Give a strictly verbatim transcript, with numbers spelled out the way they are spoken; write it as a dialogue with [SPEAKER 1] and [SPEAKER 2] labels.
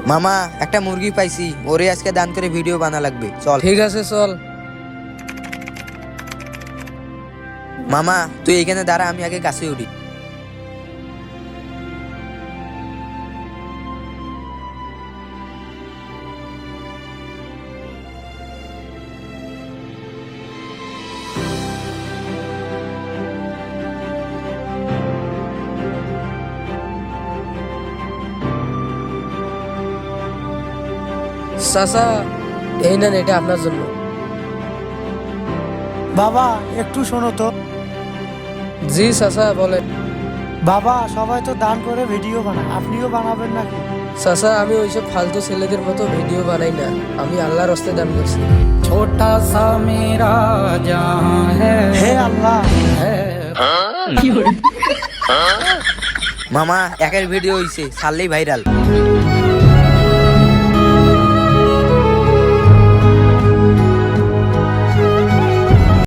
[SPEAKER 1] মামা একটা মুরগি পাইছি, ওরে আজকে দান করে ভিডিও বানা লাগবে, চল।
[SPEAKER 2] ঠিক আছে চল।
[SPEAKER 1] মামা তুই এখানে দাঁড়া, আমি আগে গাছে উঠি।
[SPEAKER 2] চাচা এই নেন, এটা আপনার জন্য।
[SPEAKER 3] বাবা একটু শোনো তো।
[SPEAKER 2] জি চাচা বলেন।
[SPEAKER 3] বাবা সবাই তো দান করে ভিডিও বানায়, আপনিও বানাবেন নাকি?
[SPEAKER 2] চাচা আমি ওইসব ফালতু ছেলেদের মতো ভিডিও বানাই না, আমি আল্লাহর রাস্তে দান করছি।
[SPEAKER 4] छोटा सा मेरा जहां है
[SPEAKER 3] হে আল্লাহ,
[SPEAKER 1] মামা একের ভিডিও হইছে, ছাড়লেই ভাইরাল।